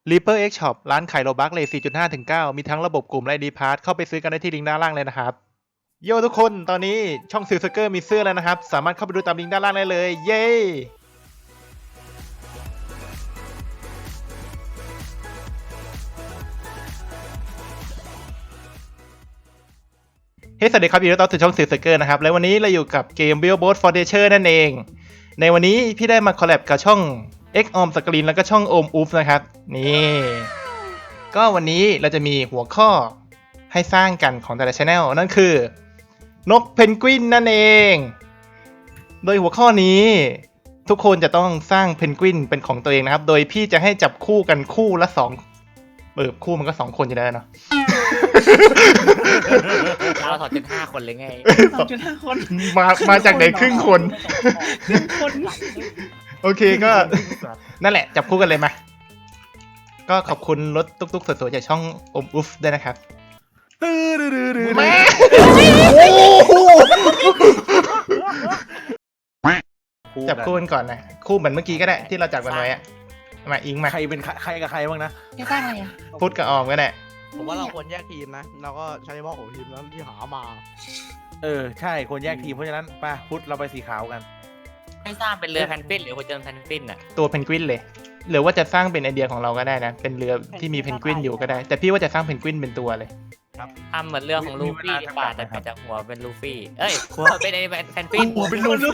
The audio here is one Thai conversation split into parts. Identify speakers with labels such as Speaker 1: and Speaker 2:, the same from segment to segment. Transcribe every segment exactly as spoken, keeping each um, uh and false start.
Speaker 1: Reaper X Shop ร้านขายโลบัคเลท สี่จุดห้า ถึง เก้า มีทั้งระบบกลุ่มและ ไอ ดี Pass เข้าไปซื้อกันได้ที่ลิงก์ด้านล่างเลยนะครับโยทุกคนตอนนี้ช่องซิลสเกอร์มีเสื้อแล้วนะครับสามารถเข้าไปดูตามลิงก์ด้านล่างได้เลยเย้เฮ้ สวัสดีครับยินดีต้อนรับสู่ช่องซิลสเกอร์นะครับและวันนี้เราอยู่กับเกม Billboard for Nature นั่นเองในวันนี้พี่ได้มาคอลแลบกับช่อง X Om Screen แล้วก็ช่อง Om Oof นะครับนี่ก็วันนี้เราจะมีหัวข้อให้สร้างกันของแต่ละ Channel นั่นคือนกเพนกวินนั่นเองโดยหัวข้อนี้ทุกคนจะต้องสร้างเพนกวินเป็นของตัวเองนะครับโดยพี่จะให้จับคู่กันคู่ละสองเออคู่มันก็สองคนอยู่แล้วเนาะ
Speaker 2: เราถอดจุดห้าคนเลยไง
Speaker 3: สองจุดห้าคน
Speaker 1: มามาจากไหนครึ่งคน
Speaker 3: ครึ่งคน
Speaker 1: โอเคก็นั่นแหละจับคู่กันเลยมาก็ขอบคุณรถตุ๊กๆสวยๆจากช่องอมอุฟด้วยนะครับแม่จับคู่กันก่อนนะคู่เหมือนเมื่อกี้ก็ได้ที่เราจับกันไว้อะมาอิงมา
Speaker 4: ใครเป็นใครกับใครบ้างนะ
Speaker 3: จะสร้างอะไรอ่ะ
Speaker 1: พูดกับออมก็ได้
Speaker 5: ผมว่าเราควรแยกทีมนะเราก็ใช้เฉพาะของทีมนั้นที่หามา
Speaker 4: เออใช่คนแยกทีมเพราะฉะนั้นไป่ะพุทธเราไปสีขาวกัน
Speaker 2: ให้สร้างเป็นเรือแพนกวินหรือหัวเจอแพนกวินอ่ะ
Speaker 1: ตัวเพนกวินเลยหรือว่าจะสร้างเป็นไอเดียของเราก็ได้นะเป็นเรือที่มีเพนกวินอยู่ก็ได้แต่พี่ว่าจะสร้างเพนกวินเป็นตัวเลย
Speaker 2: ทำเหมือนเรือของลูฟี่ดีกว่าแต่เปลี่ยนจากหัวเป็นลูฟี่เอ้ยหัวเป็นไอ้แพนกวิน
Speaker 4: หัวเป็นลูฟี่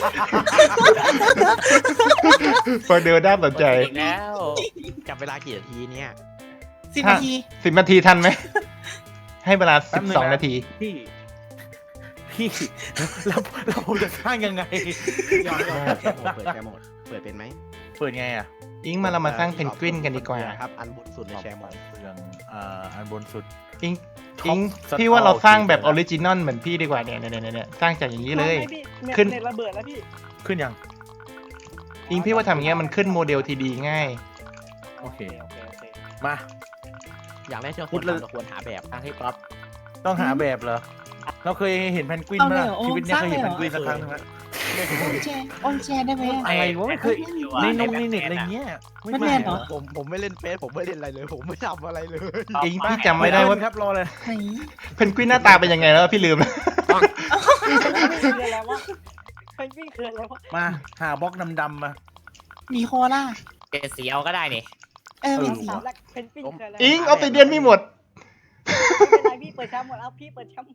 Speaker 1: ฟังเดียวน่าสนใจ
Speaker 2: อีกแล้ว
Speaker 5: จับเวลากี่นาทีเนี่ย
Speaker 3: สิบนาที
Speaker 1: สิบนาทีทันไหมให้เวลาสิบสองนาที
Speaker 4: พี่พี่เราเราจะสร้างยังไง
Speaker 5: ยอมยอมเปิดแชร์โหมดเปิดเป็นไหม
Speaker 4: เปิดไงอ่ะ
Speaker 1: อิงมาเรามาสร้างเพนกวินกันดีกว่า
Speaker 5: ครับอันบนสุดในแชร์โหมด
Speaker 4: เรื่องอ่าอันบนสุด
Speaker 1: อิง
Speaker 4: ท็อป
Speaker 1: อิง
Speaker 4: สตอ
Speaker 1: พี่ว่าเราสร้างแบบอ
Speaker 4: โอ
Speaker 1: อ
Speaker 4: เค
Speaker 1: ริจินอลเหมือนพี่ดีกว่าเนี่ยเนี่ยเนี่ยเนี่ยสร้างจากอย่างนี้เลย ขึ้
Speaker 6: ขึ้
Speaker 1: น
Speaker 6: นเน็ตระเบิดแล้วพี่
Speaker 4: ขึ้นยัง
Speaker 1: อิงพี่ว่าทำอย่างเงี้ยมันขึ้นโมเดลทีดีง่าย
Speaker 4: โอเค
Speaker 6: โอเคโอเค
Speaker 4: มา
Speaker 5: อย่างแรกที่เรา
Speaker 4: พู
Speaker 5: คว
Speaker 4: ด
Speaker 5: ร
Speaker 4: เลย
Speaker 5: ทำเราควรหาแบบ
Speaker 2: ทางที่ก๊อฟ
Speaker 4: ต้องหาแบบเหรอเราเคยเห็นแพนกวินไหมล่ะชีวิตเนี้ยเคยเห็นแพนกวินสักครั้งนึงแล้ว
Speaker 3: ออนแชร์ออนแชร์ได้ไหมอ่ะ
Speaker 4: อะไรวะไม่เคยในนงในเน็ตอะไรเงี้ย
Speaker 3: มันแน่เหรอ
Speaker 5: ผมผมไม่เล่นเฟซผมไม่เล่นอะไรเลย ผมไม่ทำอะไรเลย
Speaker 1: อิงพี่จำไม่ได้ว่า
Speaker 4: ครับรอเลย
Speaker 3: ไหน
Speaker 1: เพนกวินหน้าตาเป็นยังไงแล้วพี่ลืม
Speaker 6: คืออะไรวะเพนกวินคืออะไรวะ
Speaker 4: มาหาบล็อกดำๆมา
Speaker 3: มีโคล่า
Speaker 2: เปลี่ยนสีเอาก็ได้นี่
Speaker 3: เออเป็นสี
Speaker 6: ถามแรกเพนกวินคืออะไร
Speaker 1: อิงออฟซิเดียนมีหมด
Speaker 6: ไม่เป็นไรพี่เปิดแชมป์หมดเอาพี่เปิดแชมป์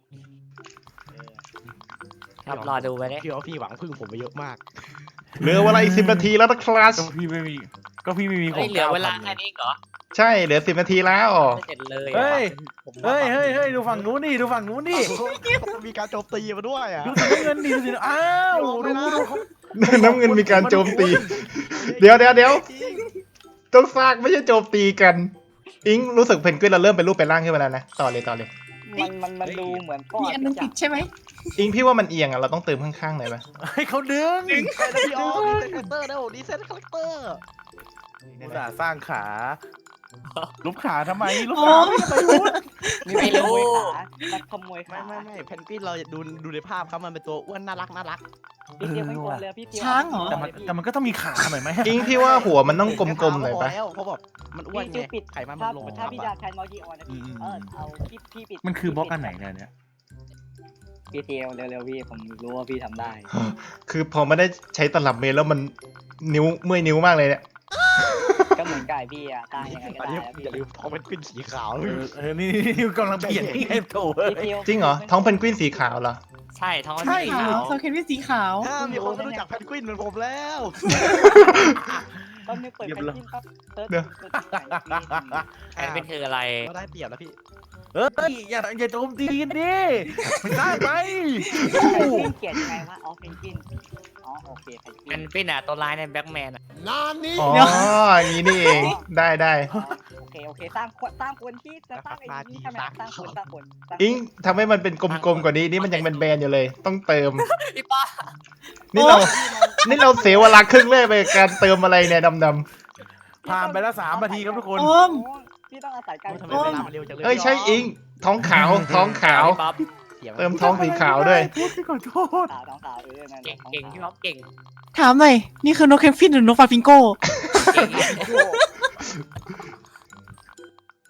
Speaker 2: ครับรอดูไปเลย
Speaker 5: พี่ว่าพี่หวังพึ่งผมไปเยอะมาก
Speaker 1: เหลือเวลาอีกสิบนาทีแล้วนะครับ
Speaker 4: ก็พี่ไม่มีก็พี่ไม่มีข
Speaker 2: เฮ้
Speaker 4: อย ง
Speaker 2: เหลือเวลา
Speaker 4: ก้พัน
Speaker 2: แค่นี้เหรอ
Speaker 1: ใช่เหลือสิบนาทีแล้ว
Speaker 2: ไม่เสร็จเลย
Speaker 4: เฮ้ย
Speaker 5: ผม
Speaker 4: เฮ้ยเฮ้ยเฮ้ยดูฝั่งนู้นนี่ดูฝั่งนู้นนี่
Speaker 5: มีการโจมตีมาด้วยอ่ะ
Speaker 4: ดูสีน้ำเงินดิดูสีน้ำอ้าวดูดูเขา
Speaker 1: น้ำเงินมีการโจมตี เดี๋ยวเดี๋ยวเดี๋ยวต้องสร้างไม่ใช่โจมตีกัน อิงรู้สึกเพนกวินเราเริ่มเป็นรูปเป็นร่างขึ้นมาแล้วนะต่อเลยต่อเลย
Speaker 6: มันมันมันดูเหมือนก้อน
Speaker 3: มีอันนึงติดใช่ไหม
Speaker 1: อิงพี่ว่ามันเอียงอ่ะเราต้องเติมข้างๆหน่อยปะ
Speaker 4: ให้เขาดึง
Speaker 5: ใช่แล้วพี่ออมดีเซนคาแรคเตอร์แล้วดีเซนคาแรคเตอร์
Speaker 4: อุตส่าห์สร้างขาลุกขาทำไมลุก
Speaker 3: โอ้
Speaker 4: ขาไม่ทำไมพูด
Speaker 2: ไม่รู้
Speaker 6: นักขโมย
Speaker 5: ไม่
Speaker 6: ขา
Speaker 5: ไม่ไม่เพนกวินเราดูดูในภาพครับมันเป็นตัวอ้วนน่ารักน่ารัก
Speaker 6: พี่เตียวไม่ควรเลยพี่เตียว
Speaker 3: ช้างเหรอ
Speaker 4: แต่มันแต่มันก็ต้องมีขาหน่อยไหม
Speaker 1: อิงพี่ว่าหัวมันต้องกลมๆหน่อยปะ
Speaker 5: แล้วเพราะแบบมันอ้วน
Speaker 6: พี่
Speaker 5: ไง
Speaker 6: ชื่อปิด
Speaker 5: ไขมันมั
Speaker 6: ถ้าน
Speaker 5: ลงไป
Speaker 6: ถ้า
Speaker 5: ทับ
Speaker 6: พี่
Speaker 5: อะ
Speaker 6: ดาแทนมอจีออนนะพี่เออเอาพี่พี่ปิด
Speaker 4: มันคือบล็อกอันไหนเนี่ยเนี่ย
Speaker 6: พี่เตียวเร็วๆพี่ผมรู้ว่าพี่ทำได้
Speaker 1: คือพอไม่ได้ใช้ตลับเมตรแล้วมันนิ้วเมื่อยนิ้วมากเลยเนี่ย
Speaker 6: ก็เหมือนกับพี่อะตั้งยังไงก็
Speaker 5: อัน
Speaker 6: ได้
Speaker 5: นี้
Speaker 6: แล้วพี่
Speaker 5: อย่าลืมท้องเป็นกวินสีขาว
Speaker 4: เออเออนี่นี่กำลังเปลี่ยนที่ให้โถเอ้ย
Speaker 6: พี่เตียว
Speaker 1: จริงเหรอท้องเพนกวินสีขาวเหรอ
Speaker 2: ใช่ท้อง
Speaker 4: ใช่
Speaker 2: สี
Speaker 3: ขา
Speaker 2: ขาว ว
Speaker 3: โซเคนวิสีขาว
Speaker 5: ถ้ามีคนไม่รู้จักเพนกวินเหมือนผมแล้ว
Speaker 6: ตอนนี้เปิดแพนกวินปั๊บเซิร์ช
Speaker 1: เดี๋ยว
Speaker 6: เซิร์ชที่ไหน
Speaker 2: แพนกวินคืออะไร
Speaker 5: ก็ได้เปรียบแล้วพี่
Speaker 4: เฮ้ยอย่าอย่าโจมตีกันดิไม่ได้ไป
Speaker 6: เพนกวินเขียนยังไงวะอ๋อเพนกวินอ๋อโอเคเพนก
Speaker 2: แพ
Speaker 6: วิน
Speaker 2: นกวินอ่ะตัวร้ายในแบ็กแมนอ่ะ
Speaker 1: อ๋ออย่างนี้นี่เองได้ได้
Speaker 6: อ๋อโอเคโอเคสร้างคนสร้างคนที่จะสร้างไอ้นี่ใช่ไหมสร้างคนสร้างคนสร้างคน
Speaker 1: อิงทำให้มันเป็นกลมๆกว่านี้นี่มันยังเป็นแบนอยู่เลย ต้องเติม
Speaker 2: พี่ป้า
Speaker 1: นี่เรา นี่เราเสียเวลาครึ่งแรกไปกับการเติมอะไรเนี่ยดำ
Speaker 4: ผ่านไปแล้วสามนาทีครับทุกคน
Speaker 3: โอม
Speaker 6: พี่ต้องอาศัยการ
Speaker 5: ทำไมเวลามันเร็วจังเลย
Speaker 1: ๆเอ้ยใช่อิงท้องขาวท้องขาว
Speaker 2: พี่ป๊อป
Speaker 1: เติมท้องสีขาวด้วย
Speaker 4: พูดขอโทษ
Speaker 6: ขาวท้องขาวเออนั่นแห
Speaker 2: เก่
Speaker 6: ละ
Speaker 2: งเก่งพี่ป๊อปเก่ง
Speaker 3: ถามหน่อยนี่คือนกเคฟินหรือนกฟาฟิงโก้
Speaker 2: เก่ง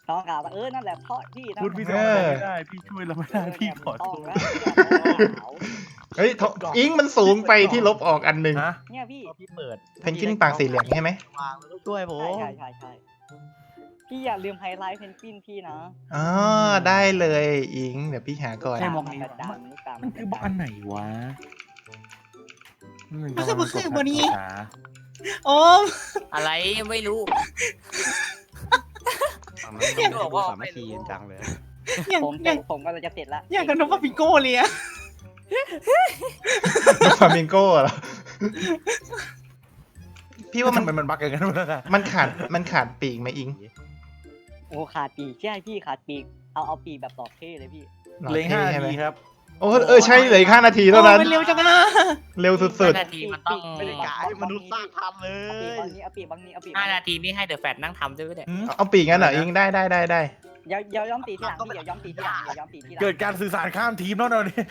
Speaker 6: น้องกล่าวว่าเออนั่นแหละพ่อพี่นะ
Speaker 4: พูดพี่ทำอะไรไม่ได้พี่ช่วยเราไม่ได้พี่ขอโท
Speaker 6: ต้อง
Speaker 4: ษ
Speaker 6: แล้ว
Speaker 1: เฮ้ยโถอิงมันสูงไปที่ลบออกอันหนึ่ง
Speaker 4: ฮะ
Speaker 6: เนี่ยพี่
Speaker 5: พอพี่เปิด
Speaker 1: เพนกวินปากสีเหลืองใช่ไหม
Speaker 5: วางแล้วก็ช่วยผม
Speaker 6: ใช่ใช่ใช่ใช่พี่อย่าลืมไฮไลท์เพนกวินพี่นะ
Speaker 1: อ๋อได้เลยอิงเดี๋ยวพี่หาก่อน
Speaker 4: ใช่บอก
Speaker 6: กระจายลูกตา
Speaker 4: มันคือบล็อกอันไหนวะ
Speaker 3: มันคือมันคือบนี้ โอม
Speaker 2: อะไรไม่รู้
Speaker 5: ฝั่งนั้นต้องดูสามัคคีกันจังเลย
Speaker 3: อย่าง
Speaker 6: ผม
Speaker 3: อย่าง
Speaker 6: ผมก็เลยจะเสร็จละ
Speaker 3: อย่างกับนกปาปิโก้เลยอะ
Speaker 1: ฟามิงโก้เหรอ พี่ว่า
Speaker 4: ทำ
Speaker 1: มัน
Speaker 4: ไมมันบักอย่างนั้นวะ
Speaker 1: มันขาดมันขาดปีกไหมอิง
Speaker 6: โอ้ขาดปีกใช่พี่ขาดปีกเอาเอาปีกแบบตอกเท่เลยพี่
Speaker 1: หล่อ
Speaker 4: เหลยห้า
Speaker 1: ท่ใช่ไหม
Speaker 4: ทีครับ
Speaker 1: โอ้เออใช่เหลยห้านาทีเท่านั้น
Speaker 3: โอ้มันเร็วจังนะ
Speaker 1: เร็วสุด
Speaker 2: ห้านาทีมันต้อง
Speaker 5: ไม่ได้กายมนุษย์สร้างทำเล
Speaker 6: เอาปีก
Speaker 5: ย
Speaker 6: บางนี้เอาปีกบางนี้เอาปีก
Speaker 2: ห้านาทีนี่ให้เดอะแฟตนั่งทำด้วยไหมเนี่ย
Speaker 1: ๆเอาปีกงั้นเหรออิงได้ได้ได้ได้
Speaker 6: เดี๋ยวเดี๋ยวย้อมตีที่หลังพี่เดี๋ยวย้อมตีที่หลังเดี๋ยวย้อมตีที่หลัง
Speaker 4: เกิดการสื่อสารข้ามทีมแล้วเราเนี่ย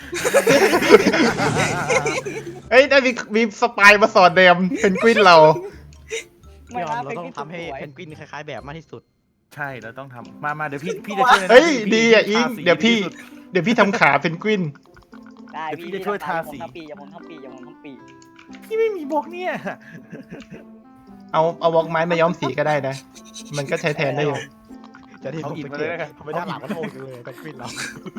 Speaker 1: เอ้ยได้มีมีสปายมาสอนแดมเพนกวินเรา
Speaker 6: ไม่
Speaker 5: พี่ออ
Speaker 6: นะ
Speaker 5: มเรา
Speaker 6: เป็น
Speaker 5: ต้อง
Speaker 6: พี่
Speaker 5: ทำให้
Speaker 6: สวย
Speaker 5: เพนกวินคล้ายๆแบบมากที่สุด
Speaker 4: ใช่เราต้องทำมามาเดี๋ยวพี่พี่จะช่วยนะ
Speaker 1: เฮ้ย
Speaker 4: พี่
Speaker 1: ดีอ่ะอิง
Speaker 4: ทาสี
Speaker 1: เดี๋ยวพี่
Speaker 4: ที่สุ
Speaker 1: เดี๋ยวพี่ทำขาเพนกวิน
Speaker 6: ได้
Speaker 4: เดี๋ยวพี่จะช่วยทาสี
Speaker 6: อย่ผมทำปีอย่าผมทำปีอย่าผมทำปี
Speaker 4: พี่ไม่มีบล็อกเนี่ย
Speaker 1: เอาเอาวอกไม้มาย้อมสีก็ได้นะ มันก็ใช้แทนได้อยู่
Speaker 5: จะที่
Speaker 4: เอา
Speaker 5: ผม
Speaker 4: อิฐ
Speaker 5: สัง
Speaker 4: มา
Speaker 5: เก
Speaker 4: เลย
Speaker 5: ต
Speaker 4: แล้วกัน
Speaker 5: ทำไมด้านหลังมันโง่จังเลยเพนกวินเรา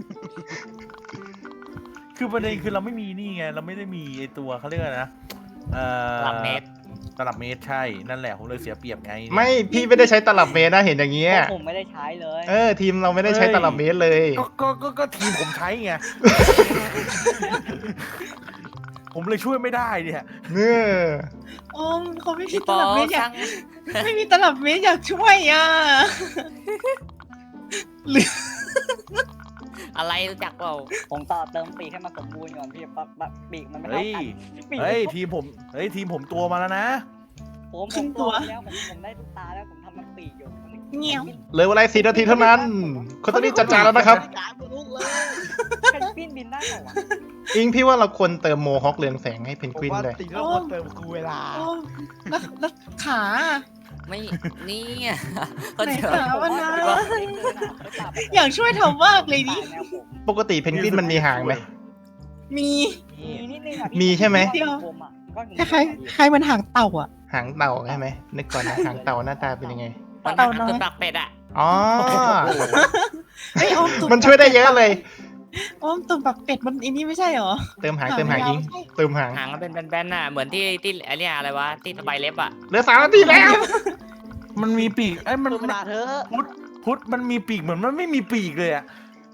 Speaker 4: คือประเด็นคือเราไม่มีนี่ไงเราไม่ได้มีไอตัวเขาเรียกอะไรนะเอ่อ
Speaker 2: หลักเมตร
Speaker 4: ตลับเมตรใช่นั่นแหละผมเลยเสียเปรียบไง
Speaker 1: ไม่พี่ไม่ได้ใช้ตลับเมตรนะเห็นอย่างเงี้ย
Speaker 6: เพราะผมไม่ได้ใช้เลย
Speaker 1: เออทีมเราไม่ได้ใช้ตลับเมตรเลย
Speaker 4: ก็ก็ก็ก็ทีมผมใช้ไง ผมเลยช่วยไม่ได้เนี่ย
Speaker 1: เออ
Speaker 3: โอมเขาไม่มี
Speaker 2: พี่
Speaker 3: ต
Speaker 2: ปอ
Speaker 3: ลับเมตรอยา
Speaker 2: ช่าก ง
Speaker 3: ไม่มีตลับเมตรอยากช่วยอ่ะ
Speaker 2: อะไรรู้จักเปล่า
Speaker 6: ผมต่อเติมปีกให้มันสมบูรณ์ก่อนพี่ปั๊บปั๊บปีกมันไม่
Speaker 4: เฮ้
Speaker 6: เท่าย กันปีก
Speaker 4: เฮ้ยทีมผมเฮ้ยทีมผมตัวมาแล้วนะ
Speaker 6: ผมผมตัวแล้วผมผมได้ลูกตาแล้วผมทำมันปีกอยู่
Speaker 3: เงี้ยว
Speaker 1: เหลือเวลาสี่นาทีเท่านั้นคนต้องรีบจัดจานแล้วนะครับ
Speaker 5: กายมนุษย์เลย
Speaker 6: เพนกวินบินได้เหรอวะ
Speaker 1: อิงพี่ว่าเราควรเติมโมฮอคเรืองแสงให้เพน
Speaker 5: ผม
Speaker 1: กวิน
Speaker 5: ว่า
Speaker 1: เลย
Speaker 5: สิ่งที่เราควรเติมคือเวลา
Speaker 3: โอมแล้วแล้วขา
Speaker 2: ไม่นี่อ่ะก็
Speaker 3: ไหน
Speaker 2: เจอ
Speaker 3: ขามันนะ
Speaker 6: ว่า
Speaker 3: อยากช่วยทำมากเลยดิ
Speaker 6: แนวผม
Speaker 1: ปกติเพนกวินมันมีหางไหม
Speaker 3: มี
Speaker 6: มีนิดนึงอ่ะ
Speaker 1: มีใช่ไหม
Speaker 6: ผมอ่ะก็
Speaker 3: คล้ายๆคล้ายมันหางเต่าอ่ะ
Speaker 1: หางเต่าใช่ไหมนึกก่อนนะหางเต่าหน้าตาเป็นยังไง
Speaker 2: มัน
Speaker 3: เต่า
Speaker 2: หา
Speaker 3: น้อย
Speaker 2: ตัวปลักเป็ดอ่ะ
Speaker 1: อ๋อ
Speaker 3: เฮ้ยโอมตุ่
Speaker 1: มันช่วยได้เยอะเลย
Speaker 3: โอมตุ่มปักเป็ดมันอันนี้ไม่ใช่เหรอ
Speaker 1: เติมหางเติมหางอิงเติมหาง
Speaker 2: หางมันเป็นแบนๆน่ะเหมือนที่ที่ไอเนี้ยอะไรวะที่สบายเล็บอ่ะ
Speaker 1: เหลือสามนาทีแล้ว
Speaker 4: มันมีปีกไอ้ยมัน
Speaker 5: เติมเวลาเธอะ
Speaker 4: พุทธพุทธมันมีปีกเหมือนมันไม่มีปีกเลยอะ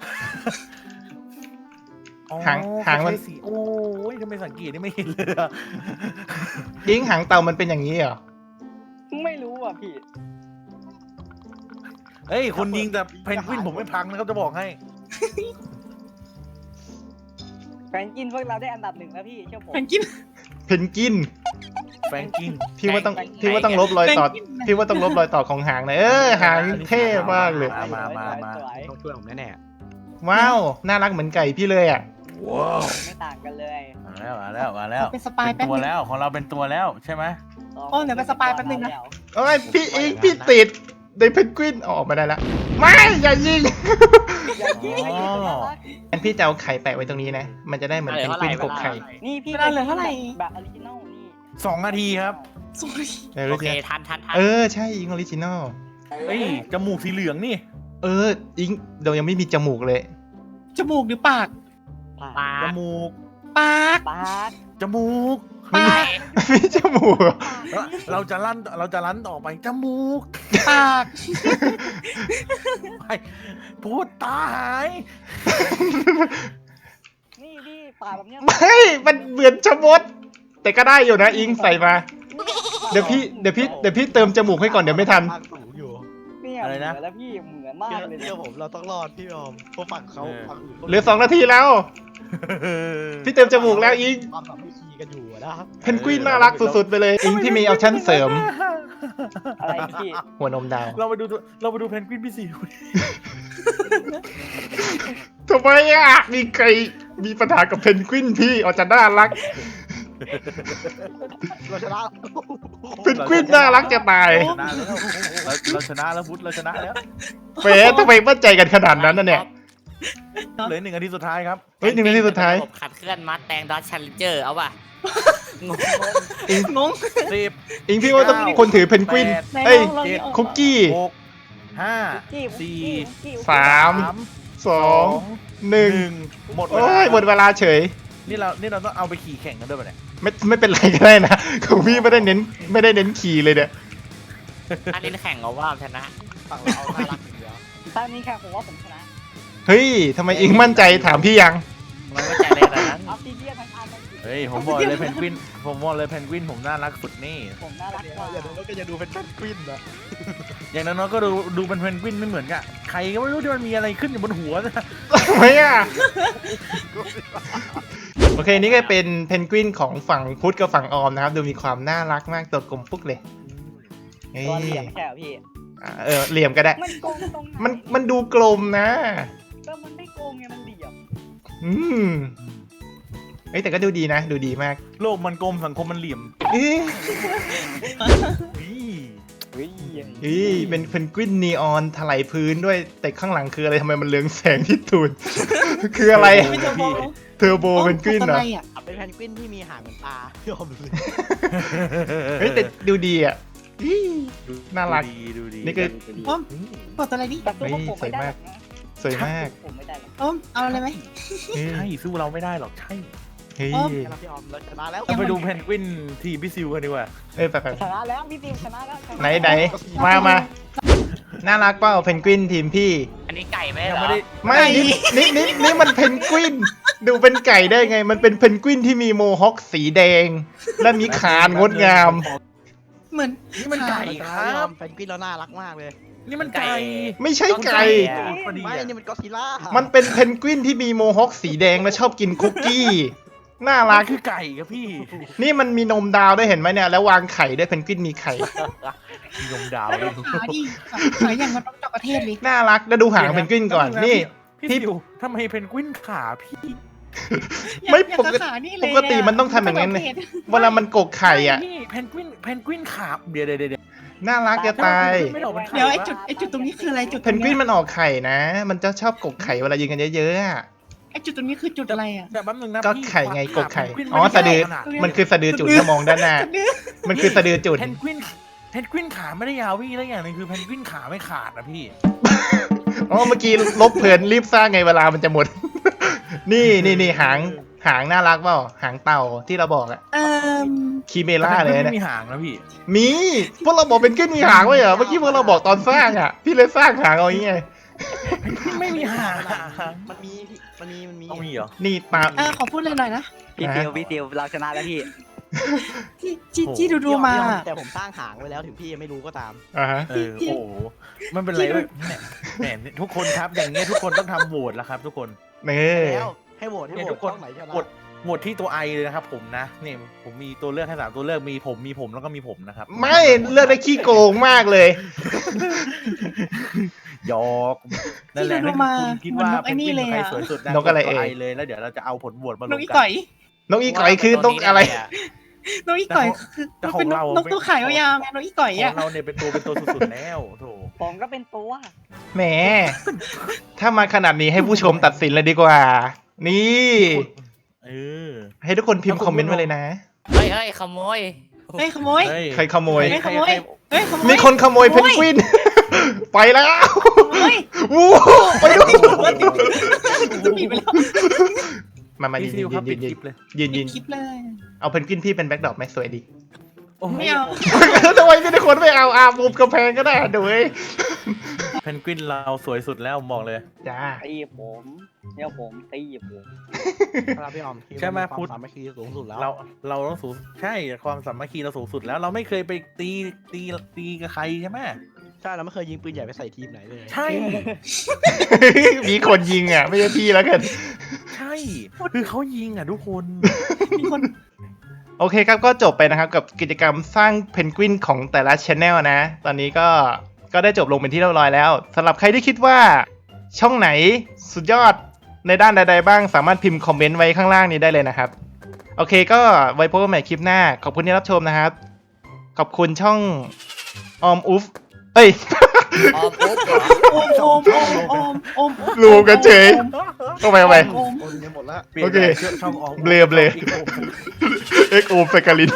Speaker 4: อ๋อ
Speaker 1: หางหางมัน
Speaker 4: ใช้สีโอ้ยทำไมสังเกตนี่ไม่เห็นเลยอะ
Speaker 1: อิงหางเต่ามันเป็นอย่างนี้เหรอ
Speaker 6: ไม่รู้อ่ะพี่
Speaker 4: เฮ้ยคนยิงแต่เพนกวินผมไม่พังนะครับจะบอกให้
Speaker 6: แฟนกินพวกเราได้อันดับหนึ่งแล้วพี่เชื่อผม
Speaker 3: มันกิน
Speaker 1: เพนกวิน
Speaker 4: แฟรงกิน
Speaker 1: พี่ว่าต้องพี่ว่าต้องลบรอยต่อ พี่ว่าต้องลบรอยต่อของหางหนะเออหางเท่มากเลย
Speaker 4: มามามามา
Speaker 6: สวย
Speaker 5: ต้องช่วยผมแน่
Speaker 1: ว้าว น่ารักเหมือนไก่พี่เลยอ่ะ
Speaker 4: ว้าว
Speaker 6: ๆไม่ต่างกันเลย
Speaker 4: มาแล้วมาแล้วมาแล้ว
Speaker 3: เป็นสปาย
Speaker 4: เป็น
Speaker 3: แป๊บ
Speaker 4: ตัว
Speaker 3: นึง
Speaker 4: แล้วของเราเป็นตัวแล้วใช่ไหม
Speaker 3: โอ้เดี๋ยวไปสปายแป๊บนึงนะ
Speaker 1: โอ้ยพี่อิงพี่ติดในเพนกวินเอาออกมาได้แล้ว ไม่ อย่ายิง
Speaker 6: อย่ายิง
Speaker 4: อ๋อ
Speaker 1: งั้นพี่จะเอาไข่แปะไว้ตรงนี้นะ มันจะได้เหมือนเพนกวินกบไข่
Speaker 6: นี่พี่
Speaker 3: เวลาเหลือเท่าไหร่
Speaker 6: แบบออริจินอลนี่
Speaker 4: สองนาทีครับ
Speaker 3: สวย
Speaker 1: เออ
Speaker 2: โอ
Speaker 1: รู้
Speaker 2: เค
Speaker 1: จัก
Speaker 2: ทันทันทัน
Speaker 1: เออ ใช่อิงออริจินอล
Speaker 4: เฮ้ยจมูกสีเหลืองนี่
Speaker 1: เออ อิงเรายังไม่มีจมูกเลย
Speaker 3: จมูกหรือปาก
Speaker 2: ปลา
Speaker 4: จมูก
Speaker 3: ปาก
Speaker 6: ปาด
Speaker 4: จมูก
Speaker 3: ปาก
Speaker 1: มีจมูกเหรอ
Speaker 4: แล้วเราจะลั่นเราจะลั่นต่อไปจมูก
Speaker 3: ปาก
Speaker 4: ไปพูดตาหาย
Speaker 6: นี่พี่ปาดแบบเนี้ย
Speaker 1: ไม่ มันเหมือนชะมด แต่ก็ได้อยู่นะอิงใส่มา เดี๋ยวพี่ เดี๋ยวพี่ เดี๋ยวพี่เติมจมูกให้ก่อนเดี๋ยวไม่ทัน
Speaker 5: ภาคสูงอยู่
Speaker 6: เนี่ย
Speaker 4: อะไรนะ
Speaker 6: เหมือนแล้วพี่เหมือนมาก
Speaker 5: เชื่อ
Speaker 6: เลย
Speaker 5: เชื่อผมเราต้องรอดพี่ออมเพราะฝั่งเขาฝั่งอื่น
Speaker 1: เหลือสองนาทีแล้ว พี่เติมจมูกแล้วอิง
Speaker 5: ความสามัคคีกันอยู่อะนะครับ
Speaker 1: เพนกวินน่ารักสุดๆไปเลย อิงที่มีออปชั่นเสริม
Speaker 6: อะไรพี่
Speaker 1: หัวนมดาว
Speaker 4: เราไปดูตัวเราไปดูเพนกวินพี่สี่ดูดิ
Speaker 1: ทำไมอ่ะ มีใครมีปัญหากับเพนกวินพี่อาจจะน่ารัก
Speaker 5: เราชนะ
Speaker 1: เพนกวินน่ารักจะตาย
Speaker 4: ชนะแล้วเราเราชนะแล้วพุทธเราชนะแล้ว
Speaker 1: เฟสทำไมมั่นใจกันขนาดนั้นน่ะเนี่ย
Speaker 4: เหลือหนึ่งนาทีสุดท้ายครับ
Speaker 1: เฮ้ยหนึ่งนาทีสุดท้าย
Speaker 2: ระบบขับเคลื่อนมัดแตงดอทชันเลนเจอร์เอาป่ะงง
Speaker 3: งง
Speaker 4: สิบ
Speaker 1: อิงพี่ว่าต้องมีคนถือเพนกวิน
Speaker 3: ไหน
Speaker 1: เอ้ย
Speaker 3: ลองลองนี่ออก
Speaker 1: คุกกี้
Speaker 4: หกห้า
Speaker 6: กี้
Speaker 4: สี่
Speaker 6: กี้
Speaker 1: สาม
Speaker 4: สาม
Speaker 1: สองหนึ่ง
Speaker 4: หมดเว
Speaker 1: โอ้
Speaker 4: ลาย
Speaker 1: หมดเวลาเฉย
Speaker 4: นี่เรานี่เราต้องเอาไปขี่แข่งกันด้วยป่ะเนี่ย
Speaker 1: ไม่ไม่เป็นไรก็ได้นะของพี่ไม่ได้เน้นไม่ได้เน้นขี่เลยเนี่ย
Speaker 2: อันนี้แข่งเอาว่าชนะ
Speaker 5: ฝั่งเราเอาน่ารักอย่างเดียว
Speaker 6: ถ้านี้แค่ผมว่าผมชนะ
Speaker 1: เฮ้ยทำไมอิงมั่นใจถามพี่ยัง
Speaker 2: มันไม่ใจเลยนะนั้น
Speaker 6: ออฟซิเดียนทั้งอันทั้ง
Speaker 4: เฮ้ยผมบอกเลยเพนกวินผมบอกเลยเพนกวินผมน่ารักสุดนี่
Speaker 6: ผมน่ารักกว่า
Speaker 5: อย่าดูแล้วก็จะดูเป็นเพนกวินนะ
Speaker 4: อย่างน้อยๆก็ดูดูเป็นเพนกวินไม่เหมือนกับใครก็ไม่รู้ที่มันมีอะไรขึ้นอยู่บนหัวนะ
Speaker 1: ทำไมอ่ะ โอเคนี่ก็เป็นเพนกวินของฝั่งพุทธกับฝั่งออมนะครับ ดูมีความน่ารักมากตัวกลมปุ๊กเลยเฮ้ย
Speaker 6: ตัวเหลี่ยมไม่ใช่เหรอพี่
Speaker 1: อ่ะเออเหลี่ยมก็ได้
Speaker 6: มันโกงตรงไหน
Speaker 1: มันมันดูกลมนะ
Speaker 6: ก็มันไม่โกงไงมันเหลี่ยม
Speaker 1: อืมเอ้ยแต่ก็ดูดีนะ ดูดีมาก
Speaker 4: โลกมันกลมสังคมมันเหลี่ยม
Speaker 1: เอ๊ะ
Speaker 4: อี๋
Speaker 6: เฮ้ย
Speaker 1: เอ้ยเป็นเพนกวินนีออนถลายพื้นด้วยแต่ข้างหลังคืออะไรทำไมมันเรืองแสงที่ตูน คืออะไร
Speaker 3: ไม่เจอโบ
Speaker 1: เทอร์โบเพนกวินเหรอ
Speaker 3: อะไรอ่ะ
Speaker 5: เป็นเพนกวินที่มีหางเหมือนปลายอมเลย
Speaker 1: เฮ้ยแต่ดูดีอ่ะอี้น่ารัก
Speaker 4: ดูดีดูดี
Speaker 1: นี่คือ
Speaker 3: อ้อมกดตัวอะไรดิ
Speaker 6: แต่ตัวผมไม่ได้หรอกนะ
Speaker 1: สวยมาก
Speaker 6: ผมไม่ได้หรอก
Speaker 3: อ้อมเอาอะไรไหม
Speaker 1: เฮ้ย
Speaker 4: ใช่สู้เราไม่ได้หรอกใช่
Speaker 1: เฮ้ย
Speaker 5: เราพี่ออมเราชนะแล้ว
Speaker 4: เราไปดูเพนกวินทีมพี่ซิวกันดีกว่า
Speaker 1: เอ้ยแบบ
Speaker 6: ชนะแล้วพี่ติวชนะแล้วชะ
Speaker 1: ไหนไหนมามาน่ารักเปล่าเพนกวินทีมพี่
Speaker 2: อันนี้ไก่ไหม
Speaker 4: ยัง
Speaker 2: เหรอ
Speaker 4: ไม่ได้
Speaker 1: ไม่นี่นี่นี่นี่มันเพนกวิน ดูเป็นไก่ได้ไง มันเป็นเพนกวินที่มีโมฮอคสีแดง และมีขานงดงาม
Speaker 3: เหมือน
Speaker 4: นี่มันไก่
Speaker 5: เราช
Speaker 4: ค
Speaker 5: นะ
Speaker 4: รับ
Speaker 5: เพนกวินเราน่ารักมากเลย
Speaker 4: นี่มันไก่
Speaker 1: ไม่ใช่ไก่
Speaker 4: พอดี
Speaker 5: ไม่
Speaker 4: อะ
Speaker 5: นี่มันก็อดซิลล่า
Speaker 1: มันเป็นเพนกวินที่มีโมฮอคสีแดงและชอบกินคุกกี้ น่า
Speaker 4: มั
Speaker 1: รั
Speaker 4: น
Speaker 1: ก
Speaker 4: คือไก่ครับพี่
Speaker 1: นี่มันมีนมดาวด้วยเห็นไหมเนี่ย แล้ววางไข่ด้วยเพนกวินมีไข่
Speaker 4: มีนมดาว
Speaker 3: แล้ว
Speaker 4: เลย
Speaker 3: ดูขาดิขาอย่างมันต้องจับประเทศเลย
Speaker 1: น่ารักแล้วดูหางเพนกวินก่อน นี่
Speaker 4: พี่
Speaker 1: พี่
Speaker 4: ซิวทำไมเพนกวินขาพี่
Speaker 1: ไม่
Speaker 3: อยา
Speaker 1: ปก
Speaker 3: จะ
Speaker 1: ติ
Speaker 3: ขานี่เลย
Speaker 1: ปกติมันต้องทำอย่างนั้นเลย เวลามันกกไข่อ่ะ
Speaker 4: พี่เพนกวินเพนกวินขาเดี๋ยวเดี๋ยวเดี๋ยว
Speaker 1: น่ารักจะตาย
Speaker 4: ไม่ออกเป็นไข่
Speaker 3: เดี๋ยวไอ้จุดไอ้จุดตรงนี้คืออะไรจุด
Speaker 1: เพนกวินมันออกไข่นะ มันจะชอบกกไข่เวลายิงกันเยอะๆอะ
Speaker 3: ไอ้จุดตรงนี้คือจุดอะไรอ่ะ
Speaker 4: แต่แป๊บนึงนะ
Speaker 1: ก็
Speaker 4: พี่
Speaker 1: ไข่ไงกกไข่
Speaker 4: เพนวิน
Speaker 1: อ๋อ
Speaker 4: ไม่
Speaker 1: สะดือ
Speaker 4: ขนาด
Speaker 1: มันคือสะดือจุดถ้ามองด้านหน้า มันคือสะดือจุด
Speaker 4: เพนกวินเพนกวินขาไม่ได้ยาวพี่แล้วอย่างหนึงคือเพนกวินขาไม่ขาดนะพี่
Speaker 1: อ๋อเมื่อกี้ลบเพลินรีบสร้างไงเวลามันจะหมด นี่นี่นี่หางหางน่ารักเปล่าหางเต่าที่เราบอกอะ
Speaker 3: เอ่อ
Speaker 1: คีเมล่าเลย
Speaker 4: ไม่
Speaker 1: เนี่ย
Speaker 4: มีหางนะพี่
Speaker 1: มีพวกเราบอกเป็นขึ้นมีหางไว้เหรอเมื่อกี้พวกเราบอกตอนสร้างอะพี่เลยสร้างหางเอาอย่างเงี้ย
Speaker 4: ไม่มีหาง
Speaker 5: มันมีมันมีมันมี
Speaker 4: ต้องมีเหรอ
Speaker 1: นี่ตาม
Speaker 3: เออขอพูดเลยหน่อยนะ
Speaker 6: พี่ติวพี่ติวเราชนะแล้วพี่
Speaker 3: ที่ที่ที่ดูดูๆมา
Speaker 5: แต่ผมสร้างหางไว้แล้วถึงพี่ยังไม่รู้ก็ตาม
Speaker 1: อ่าฮะ
Speaker 4: เออโอ้โหมันเป็นไรเว้ยแหมแหมทุกคนครับอย่างเงี้ยทุกคนต้องทำโหวตแล้วครับ ทุกคน
Speaker 1: เน่
Speaker 5: แล้วให้โหวตให้โหว
Speaker 4: เนี่ยทุ
Speaker 5: ต
Speaker 4: กคน
Speaker 5: ช่องไหนชนะ
Speaker 4: โหวตโหวตที่ตัวไอเลยนะครับผมนะเนี่ยผมมีตัวเลือกให้สามตัวเลือกมีผมมีผมแล้วก็มีผมนะครับ
Speaker 1: ไม่เลือกได้ขี้โกงมากเลย
Speaker 4: หยอกนั่นแหละ
Speaker 3: ที่ดู
Speaker 4: นั่น
Speaker 3: มา
Speaker 4: คุณคิดว่า
Speaker 3: เหมือนนกไอ้นี่เลย
Speaker 4: ใคร
Speaker 3: อะ
Speaker 4: สวยสุดนะ
Speaker 1: นกอะไร
Speaker 4: ตัว
Speaker 1: เอ่ย
Speaker 4: เลยแล้วเดี๋ยวเราจะเอาผลโหวตมาร
Speaker 3: น
Speaker 4: ว
Speaker 3: ก
Speaker 4: ม
Speaker 3: อี
Speaker 4: กัน
Speaker 3: ก่อย
Speaker 1: นกอีก่อยคือนกอะไร
Speaker 3: นกอีก่อยคือ
Speaker 4: แต่
Speaker 3: มัน
Speaker 4: ของ
Speaker 3: เป็นนก
Speaker 4: เรา
Speaker 3: นกตัวขายยาวๆไงนกอีก่อย
Speaker 4: ข
Speaker 3: อ่ะ
Speaker 4: องเราเนี่ยเป็นตัวเป็นตัวสุดๆแล้วโถ
Speaker 6: ผมก็เป็นตัว
Speaker 1: แหม ถ้ามาขนาดนี้ให้ผู้ชมตัดสินเลยดีกว่า นี่
Speaker 4: เออ
Speaker 1: ให้ทุกคนพิมพ์คอมเมนต์มาเลยนะ
Speaker 2: เฮ้ยเฮ้ยขโมย
Speaker 3: เฮ้ยขโมย
Speaker 4: เฮ้ย
Speaker 1: ใครขโมย
Speaker 3: เฮ้ยขโมย เฮ้ยขโมย
Speaker 1: มีคนขโมยเพนกวิน ไปแล้ว
Speaker 3: เฮ้ย
Speaker 1: วู้ไปดู
Speaker 3: จะปิดไปแล้ว
Speaker 1: มามา
Speaker 4: พี่
Speaker 1: ยืน
Speaker 4: ซิ
Speaker 1: ยื
Speaker 4: วน ครับ
Speaker 1: ยื
Speaker 4: ปิด
Speaker 1: น
Speaker 4: ค
Speaker 1: ยื
Speaker 4: ลิ
Speaker 1: น
Speaker 4: ปเลย
Speaker 1: ยืน
Speaker 3: ปิ
Speaker 1: ยื
Speaker 3: ด
Speaker 1: น
Speaker 3: คลิปเลย
Speaker 1: เอาเพนกวินพี่เป็นแบ็คดรอปไหมสวยดี
Speaker 3: ไม่เอา
Speaker 1: ทำไมไม่ได้คนไม่เอาอาบุบกำแพงก็ได้ดูเว้ย
Speaker 4: เพนกวินเราสวยสุดแล้วผมบอกเลย
Speaker 1: จ้า
Speaker 6: ตีผมเนี่ยผมตีผม
Speaker 5: ครับพี่ออมคิดว่า
Speaker 4: ใช่ไหม
Speaker 5: ควา
Speaker 4: พุทธ
Speaker 5: สามัคคีสูงสุดแล้ว
Speaker 4: เราเราต้องสูงใช่ความสามัคคีเราสูงสุดแล้ว เราไม่เคยไปตีตีตีกับใครใช่ไหม
Speaker 5: ใช่เราไม่เคยยิงปืนใหญ่ไปใส่ทีมไหนเลย
Speaker 4: ใช่
Speaker 1: มีคนยิงอ่ะ ไม่ใช่พี่แล้วกัน
Speaker 4: ใช่คือเขายิงอ่ะทุกคน
Speaker 3: มีคน
Speaker 1: โอเคครับก็จบไปนะครับกับกิจกรรมสร้างเพนกวินของแต่ละช anel นะ ตอนนี้ก็ก็ได้จบลงเป็นที่เรียบร้อยแล้วสำหรับใครที่คิดว่าช่องไหนสุดยอดในด้านใดๆบ้างสามารถพิมพ์คอมเมนต์ไว้ข้างล่างนี้ได้เลยนะครับโอเคก็ไว้พบกันใหม่คลิปหน้า ขอบคุณที่รับชมนะครับ ขอบคุณช่องออมอุฟเอ้ย
Speaker 2: ออมปุ๊บเหรอ
Speaker 3: โอมโอมโอมโอมโอม
Speaker 1: รวมกันเฉย เอาไปเอาไป
Speaker 3: โอม
Speaker 5: โอนกันหมดแล้ว
Speaker 4: เปลี่ยน
Speaker 1: โอเค
Speaker 4: ชื่อช่องออก
Speaker 1: เบลอเบลอ เอ็กโอมสกาลิน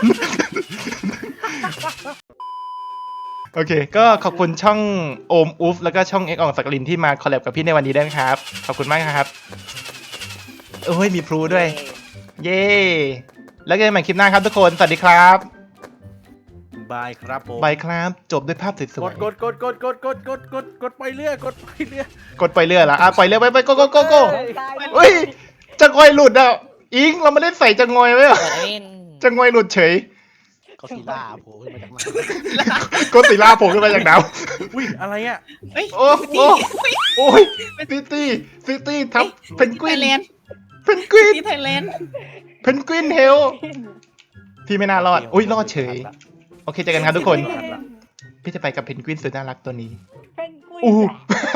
Speaker 1: โอเค ก็ขอบคุณช่องโอมอุฟแล้วก็ช่องเอ็กอองสกาลินที่มาคอลแลบกับพี่ในวันนี้ด้วยนะครับ ขอบคุณมากครับโอ้ยมีพลูด้วย เย้ แล้วเจอกันใหม่คลิปหน้าครับทุกคน สวัสดีครับ
Speaker 4: บายครับผม
Speaker 1: บายครับ จบด้วยภาพส
Speaker 4: ก
Speaker 1: วย
Speaker 4: ดกดกดกดกดกดกดกดกดไปเรื่อยกดไปเรื่อย
Speaker 1: ๆกดไปเรื่อยละอ่ะปล่อยเรื่อยไปไปโกโกโกโก
Speaker 6: ตาย
Speaker 1: เฮ้ยจะงอยหลุดอ่ะ อิงเราไม่ได้ใส่จะงอยไว้เหรอ
Speaker 2: เปิดไอ้นี่
Speaker 1: จะงอยหลุดเฉย
Speaker 5: ก็ซีล่าโผล่ขึ้นมาจากน้
Speaker 1: ก็สีล่าโผล่ขึ้นมาจากน้
Speaker 4: อุ้ยอะไรอ่ะ
Speaker 3: เฮ้ย
Speaker 1: ำโอ้โอ้โอ้ยซิตี้ซิตี้ทับเพนกวิ
Speaker 3: ไท
Speaker 1: น
Speaker 3: ยแลนด์
Speaker 1: เพนกวิน
Speaker 3: ที่ไทยแลนด์
Speaker 1: เพนกวินเฮลพี่ไม่น่ารอด อุ้ยรอดเฉย โอเคเจอกันครับทุกคน พี่จะไปกับเพนกวินสุดน่ารักตัวนี้
Speaker 6: เป็นกุ้ย
Speaker 1: อู้
Speaker 6: จ้ะ